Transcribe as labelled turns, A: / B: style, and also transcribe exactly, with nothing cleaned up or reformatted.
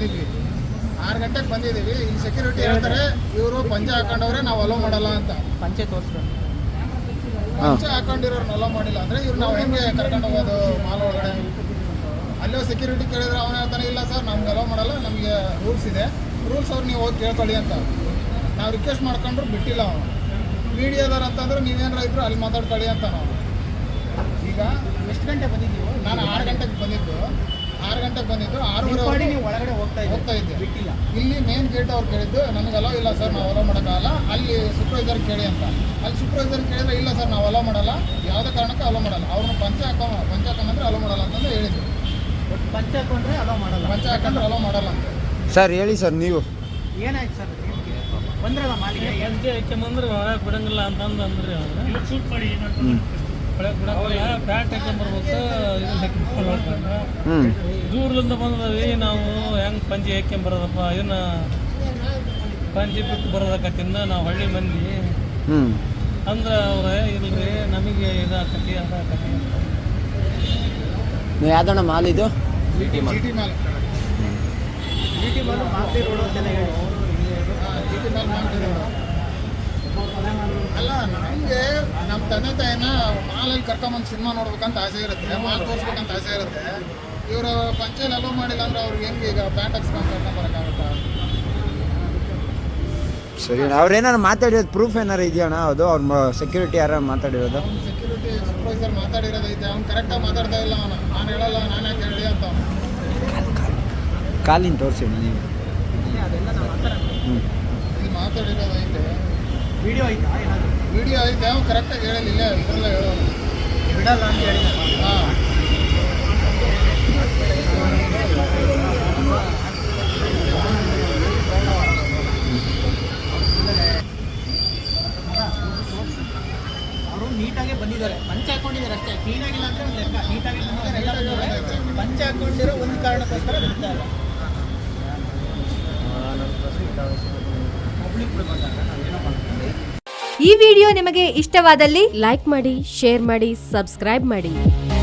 A: ಬಂದಿದ್ವಿ ಆರು ಗಂಟೆಗೆ ಬಂದಿದ್ದೀವಿ. ಇಲ್ಲಿ ಸೆಕ್ಯೂರಿಟಿ ಹೇಳ್ತಾರೆ ಇವರು ಪಂಚೆ ಹಾಕೊಂಡವ್ರೆ ನಾವು ಅಲೋ ಮಾಡಲ್ಲ ಅಂತ.
B: ಪಂಚೆ ತೋರಿಸ್ಕೊಂಡು
A: ಪಂಚೆ ಹಾಕೊಂಡಿರೋರ್ನ ಅಲೋ ಮಾಡಿಲ್ಲ ಅಂದರೆ ಇವ್ರು ನಾವು ಹೆಂಗೆ ಕರ್ಕೊಂಡು ಹೋಗೋದು ಮಾಲ್ ಒಳಗಡೆ? ಅಲ್ಲೋ ಸೆಕ್ಯೂರಿಟಿ ಕೇಳಿದ್ರೆ ಅವನು ಹೇಳ್ತಾನೆ ಇಲ್ಲ ಸರ್ ನಮ್ಗೆ ಅಲೋ ಮಾಡಲ್ಲ, ನಮಗೆ ರೂಲ್ಸ್ ಇದೆ, ರೂಲ್ಸ್ ಅವ್ರು ನೀವು ಹೋಗಿ ಕೇಳ್ಕೊಳ್ಳಿ ಅಂತ. ನಾವು ರಿಕ್ವೆಸ್ಟ್ ಮಾಡ್ಕೊಂಡ್ರು ಬಿಟ್ಟಿಲ್ಲ ಅವನು. ಮೀಡಿಯಾದವ್ರು ಅಂತಂದ್ರೆ ನೀವೇನಾರ ಇದ್ರು ಅಲ್ಲಿ ಮಾತಾಡ್ಕೊಳ್ಳಿ ಅಂತ ನಾವು. ಈಗ
B: ಎಷ್ಟು ಗಂಟೆ ಬಂದಿದ್ದೀವಿ?
A: ನಾನು ಆರು ಗಂಟೆಗೆ ಬಂದಿದ್ದು ಆರು ಗಂಟೆಗೆ ಬಂದಿದ್ದು ಆರೂವರೆ
B: ನೀವು ಒಳಗಡೆ ಹೋಗ್ತಾ
A: ಹೋಗ್ತಾ ಇದ್ದೆ.
B: ಬಿಟ್ಟಿಲ್ಲ.
A: ಇಲ್ಲಿ ಮೇನ್ ಗೇಟ್ ಅವ್ರು ಕೇಳಿದ್ದು ನಮಗೆ ಅಲೋ ಇಲ್ಲ ಸರ್, ನಾವು ಅಲೋ ಮಾಡೋಕ್ಕಾಗಲ್ಲ, ಅಲ್ಲಿ ಸೂಪರ್ವೈಸರ್ ಕೇಳಿ ಅಂತ. ಅಲ್ಲಿ ಸೂಪರ್ವೈಸರ್ ಕೇಳಿದ್ರೆ ಇಲ್ಲ ಸರ್ ನಾವು ಅಲೋ ಮಾಡಲ್ಲ, ಯಾವುದೇ ಕಾರಣಕ್ಕೆ ಅಲೋ ಮಾಡಲ್ಲ, ಅವ್ರನ್ನ ಪಂಚ ಹಾಕೋ ಪಂಚ ಹಾಕೊಂಡ್ರೆ ಅಲೋ ಮಾಡಲ್ಲ ಅಂತಂದು ಹೇಳಿದ್ರು.
B: ಒಟ್ಟು ಪಂಚೆ ಹಾಕೊಂಡ್ರೆ ಅಲೋ ಮಾಡಲ್ಲ,
A: ಪಂಚ ಹಾಕೊಂಡ್ರೆ ಅಲೋ ಮಾಡಲ್ಲ ಅಂತ.
C: ಸರ್ ಹೇಳಿ ಸರ್ ನೀವು
B: ಏನಾಯ್ತು ಸರ್? ಬಂದ್ರಲ್ಲ ಮಾಲಿಗೆ
D: ಪಂಚೆ ಹಾಕ್ಯಂಬಂದ್ರೆ ಒಳಗೆ ಬಿಡಂಗಿಲ್ಲ ಅಂತಂದು ಅಂದ್ರೆ ಒಳಗೆ ಬಿಡಂಗಿಲ್ಲ, ಪ್ಯಾಂಟ್ ಹಾಕ್ಯಂಬರ್ಬೇಕು, ಇದನ್ನ ಹಾಕ್ಯಂಬರ್ಬೇಕಂದ್ರೆ
C: ಹ್ಞೂ
D: ದೂರದಿಂದ ಬಂದವಿ ನಾವು ಹೆಂಗೆ ಪಂಚೆ ಹಾಕ್ಯಂಬರೋದಪ್ಪ, ಇದನ್ನ ಪಂಚೆ ಬಿಟ್ಟು ಬರೋದಕ್ಕತ್ತಿಂದ ನಾವು ಹಳ್ಳಿ ಮಂದಿ
C: ಹ್ಞೂ
D: ಅಂದ್ರೆ ಅವ್ರೆ ಇಲ್ರಿ ನಮಗೆ ಇದಾಕತಿ ಅದಾಕತಿ ಅಂತ.
C: ನೀವು ಯಾವ್ದಣ್ಣ ಮಾಲ್ ಇದು?
A: G T mall
B: G T mall Masti road ಅಂತೆಲ್ಲ ಹೇಳಿ.
A: ಜಿ ಟಿ ಮಾಲ್ ಮಾಡ್ತಿರೋದು ಅಲ್ಲ. ನಮಗೆ ನಮ್ಮ ತಂದೆ ತಾಯಿನ ಮಾಲಲ್ಲಿ ಕರ್ಕೊಂಬಂದು ಸಿನಿಮಾ ನೋಡ್ಬೇಕಂತ ಆಸೆ ಇರುತ್ತೆ, ಮಾಲ್ ತೋರಿಸ್ಬೇಕಂತ ಆಸೆ ಇರುತ್ತೆ. ಇವರು ಪಂಚೆಯಲ್ಲಿ ಅಲೋ ಮಾಡಿಲ್ಲ ಅಂದ್ರೆ ಅವ್ರಿಗೆ ಹೆಂಗೆ ಈಗ ಪ್ಯಾಂಟ್ ಹಾಕ್ಸ್ಕೊಂಡು ಕರ್ಕೊಂಬರೋಕ್ಕಾಗುತ್ತಾ?
C: ಸರಿ ಅವ್ರೇನಾರು ಮಾತಾಡಿರೋದು ಪ್ರೂಫ್ ಏನಾರು ಇದೆಯಣ್ಣ? ಅದು ಅವ್ರ ಸೆಕ್ಯೂರಿಟಿ ಯಾರು ಮಾತಾಡಿರೋದು?
A: ಅವ್ನು ಸೆಕ್ಯೂರಿಟಿ ಸೂಪರ್ವೈಸರ್ ಮಾತಾಡಿರೋದೈತೆ, ಅವ್ನು ಕರೆಕ್ಟಾಗಿ ಮಾತಾಡ್ತಾ ಇಲ್ಲ ಅವನು. ನಾನು ಹೇಳಲ್ಲ, ನಾನು ಯಾಕೆ ಹೇಳಿ ಅಂತ ಅವನು.
C: ಕಾಲಿನ ತೋರಿಸಿ ನೀವು.
B: ಅದೆಲ್ಲ ನಾವು ಮಾತಾಡೋಣ.
C: ಹ್ಞೂ
A: ಇಲ್ಲಿ ಮಾತಾಡಿರೋದೈತೆ,
B: ವಿಡಿಯೋ ಐತಾ ಏನಾದರೂ?
A: ವಿಡಿಯೋ ಐತೆ, ಅವ್ನು ಕರೆಕ್ಟಾಗಿ ಹೇಳಿಲ್ಲ, ಇದರಲ್ಲ ಹೇಳೋನು
B: ಬಿಡಲ್ಲ ಅಂತ ಹೇಳಿ.
A: ಹಾಂ
B: ಅವರು ನೀಟಾಗೆ ಬಂದಿದ್ದಾರೆ, ಪಂಚೆ ಹಾಕೊಂಡಿದ್ದಾರೆ ಅಷ್ಟೇ, ಕ್ಲೀನಾಗಿಲ್ಲ ಅಂದರೆ ಒಂದು ಲೆಕ್ಕ. ನೀಟಾಗಿ ಬಂದಿದ್ದಾರೆ, ಎಲ್ಲ ಬಂದಿದ್ದಾರೆ. ಪಂಚೆ ಹಾಕೊಂಡಿರೋ ಒಂದು ಕಾರಣಕ್ಕೋಸ್ಕರ ಬಿಡ್ತಾರೆ. ಪಬ್ಲಿಕ್ ಬಂದಾಗ ನಾವೇನೋ ಮಾಡ್ತೀವಿ.
E: ಈ ವಿಡಿಯೋ ನಿಮಗೆ ಇಷ್ಟವಾದಲ್ಲಿ ಲೈಕ್ ಮಾಡಿ, ಶೇರ್ ಮಾಡಿ, ಸಬ್ಸ್ಕ್ರೈಬ್ ಮಾಡಿ.